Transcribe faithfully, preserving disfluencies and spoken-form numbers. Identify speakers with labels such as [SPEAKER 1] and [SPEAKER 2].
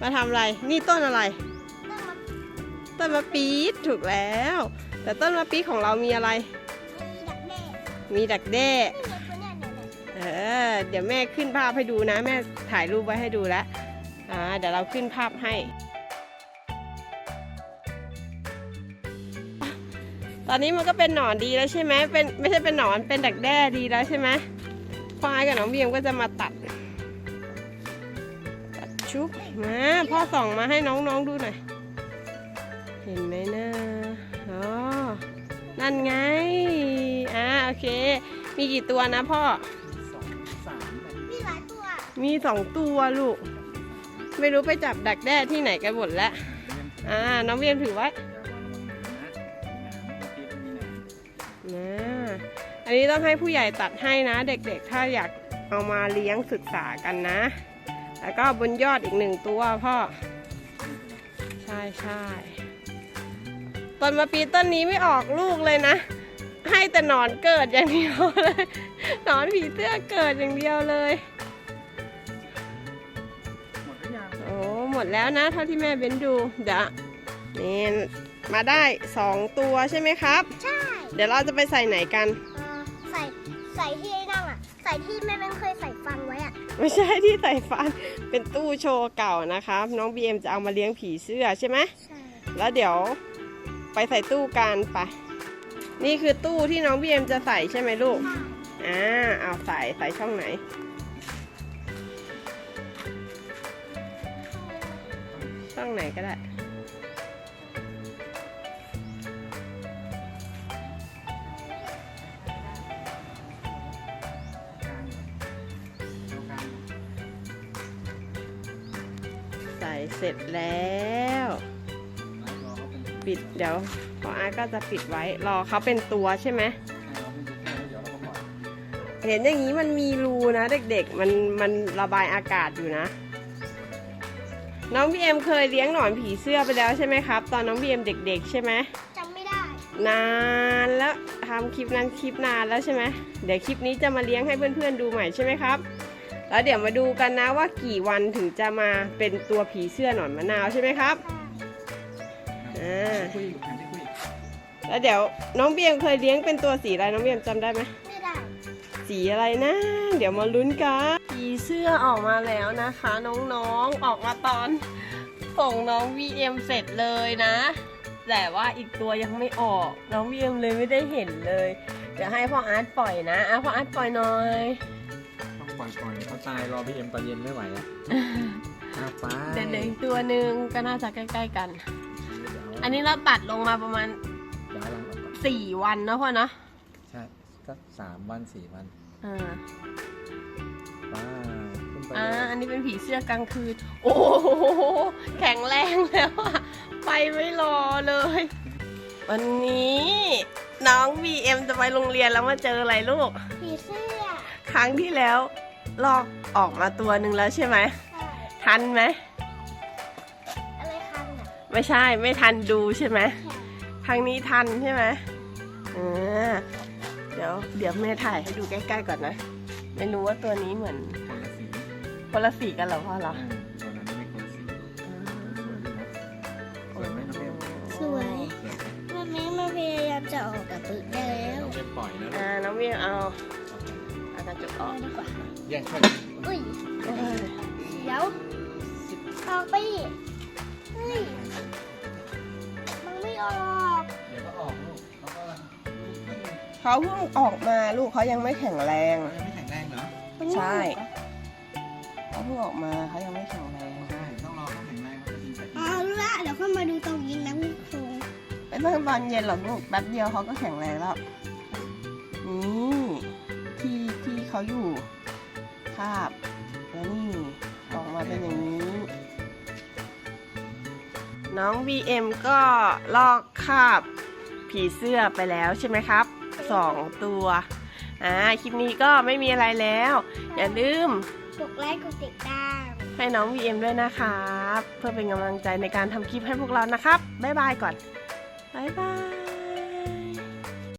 [SPEAKER 1] มาทำอะไรนี่ต้นอะไรต้นมะปี๊ดถูกแล้ว แต่ต้นมะปี๊ดของเรามีอะไรมีดักแด้เออเดี๋ยวแม่ขึ้นภาพให้ดูนะแม่ถ่ายรูปไว้ให้ดูแล้วอ่าเดี๋ยวเราขึ้นภาพให้ตอนนี้มันก็เป็นหนอนดีแล้วใช่ไหมเป็นไม่ใช่เป็นหนอนเป็นดักแด้ดีแล้วใช่ไหมพ่อไอ้กับน้องเบียมก็จะมาตัดตัดชุบมาพ่อส่องมาให้น้องๆดูหน่อยเห็นไหมนะอ๋อนั่นไงอ่าโอเคมีกี่ตัวนะพ่อ
[SPEAKER 2] สองสาม
[SPEAKER 1] มีหลายตัวมีสองตัวลูกไม่รู้ไปจับดักแด้ที่ไหนกันหมดแล้วอ่าน้องเบียมถือไว้นะอันนี้ต้องให้ผู้ใหญ่ตัดให้นะเด็กๆถ้าอยากเอามาเลี้ยงศึกษากันนะแล้วก็บนยอดอีกหนึ่งตัวพ่อใช่ใช่ต้นมะปีต้นนี้ไม่ออกลูกเลยนะให้แต่หนอนเกิดอย่างเดียวเลยหนอนผีเสื้อเกิดอย่างเดียวเลยโอ้หมดแล้วนะเท่าที่แม่เบ้นดูเดี๋ยวนี่มาได้สองตัวใช่ไหมครับ
[SPEAKER 3] ใช่
[SPEAKER 1] เดี๋ยวเราจะไปใส่ไหนกัน
[SPEAKER 3] ใส่ใส่ที่นั่งอ่ะใส่ที่แม่แม่เคยใส่ฟันไว้อ่ะ
[SPEAKER 1] ไม่ใช่ที่ใส่ฟันเป็นตู้โชว์เก่านะครับน้องบีเอ็มจะเอามาเลี้ยงผีเสื้อใช่ไหมใช่แล้วเดี๋ยวไปใส่ตู้กันไปนี่คือตู้ที่น้องบีเอ็มจะใส่ใช่ไหมลูกอ่าเอาใส่ใส่ช่องไหนช่องไหนก็ได้ใส่เสร็จแล้วปิดเดี๋ยวพออาร์ตก็จะปิดไว้รอเขาเป็นตัวใช่ไหมเห็นอย่างนี้มันมีรูนะเด็กๆมันมันระบายอากาศอยู่นะน้องบีเอ็มเคยเลี้ยงหนอนผีเสื้อไปแล้วใช่ไหมครับตอนน้องบีเอ็มเด็กๆใช่ไหม
[SPEAKER 3] จำไม่ได้
[SPEAKER 1] นานแล้วทำคลิปนั้นคลิปนานแล้วใช่ไหมเดี๋ยวคลิปนี้จะมาเลี้ยงให้เพื่อนๆดูใหม่ใช่ไหมครับแล้วเดี๋ยวมาดูกันนะว่ากี่วันถึงจะมาเป็นตัวผีเสื้อหนอนมะนาวใช่ไหมครับอ่าแล้วเดี๋ยวน้องเบียมเคยเลี้ยงเป็นตัวสีอะไรน้องเบียมจำได้ไหม
[SPEAKER 3] ไม่ได้
[SPEAKER 1] สีอะไรนะเดี๋ยวมาลุ้นกันผีเสื้อออกมาแล้วนะคะน้องๆออกมาตอนส่งน้องวีเอ็มเสร็จเลยนะแต่ว่าอีกตัวยังไม่ออกน้องวีเอ็มเลยไม่ได้เห็นเลยเดี๋ยวให้พ่ออาร์ตปล่อยนะอ่ะพ่ออาร์ตปล่อยหน่อย
[SPEAKER 2] ปล่อยก่อนเขาตายรอพี่เอ็มตอนเย็นไม่ไหวแล้วไป
[SPEAKER 1] เดี๋ยวอีกตัวหนึ่งก็น่าจะใกล้ๆกันอันนี้เราตัดลงมาประมาณสี่วันเนาะพ่อเนาะ
[SPEAKER 2] ใช่สักสามวันสี่วัน
[SPEAKER 1] อ่า
[SPEAKER 2] ว้า
[SPEAKER 1] อ่าอันนี้เป็นผีเสื้อกลางคืนโอ้โหแข็งแรงแล้วอะไปไม่รอเลยวันนี้น้องบีเอ็มจะไปโรงเรียนแล้วมาเจออะไรลูก
[SPEAKER 3] ผีเสื้อ
[SPEAKER 1] ครั้งที่แล้วลอกออกมาตัวหนึ่งแล้วใช่ไหมทันไหม
[SPEAKER 3] อะไรทันอ่ะ
[SPEAKER 1] ไม่ใช่ไม่ทันดูใช่ไหมครั้งนี้ทันใช่ไหมอ่าเดี๋ยวเดี๋ยวแม่ถ่ายให้ดูใกล้ๆก่อนนะไม่รู้ว่าตัวนี้เหมือนคนละสีกันเหรอพ่อเหรอ
[SPEAKER 3] สวยแม่แม่มาพยายามจะออกกับปืนได้แล้ว
[SPEAKER 2] น้องเวียปล่อยนะ
[SPEAKER 1] อ่าน้องเวียเอาเอากระจกออก
[SPEAKER 3] ดีกว่า
[SPEAKER 2] แย่งช่วย
[SPEAKER 3] อุ้ยเดี๋ยวออกไปเฮ้ยมันไม่ออก
[SPEAKER 2] เดี๋ยวก็ออกลูกเขาก็
[SPEAKER 1] เขาเพิ่งออกมาลูกเขายังไม่แข็งแรง
[SPEAKER 2] ยังไม่แข็งแรงเหรอ
[SPEAKER 1] ใช่เขาเพิ่งออกมาเขายังไม่แข็งแรง
[SPEAKER 2] ใช่ต้องรอเขาแข็งแรงเขาจะยิงไป
[SPEAKER 3] อ๋อรู้ละเดี๋ยวค่อยมาดูตรงยิงนะคุณครู
[SPEAKER 1] ไม่เพิ่งตอนเย็นหรอกลูกแป๊บเดียวเขาก็แข็งแรงแล้วนี่ที่ที่เขาอยู่คาบแล้วนี่ออกมาเป็นอย่างนี้น้อง บี เอ็ม ก็ลอกคาบผีเสื้อไปแล้วใช่ไหมครับสองตัวอ่าคลิปนี้ก็ไม่มีอะไรแล้วอย่าลืม
[SPEAKER 3] กดไลค์กดติดตาม
[SPEAKER 1] ให้น้อง บี เอ็ม ด้วยนะครับเพื่อเป็นกำลังใจในการทำคลิปให้พวกเรานะครับบ๊ายบายก่อนบ๊ายบาย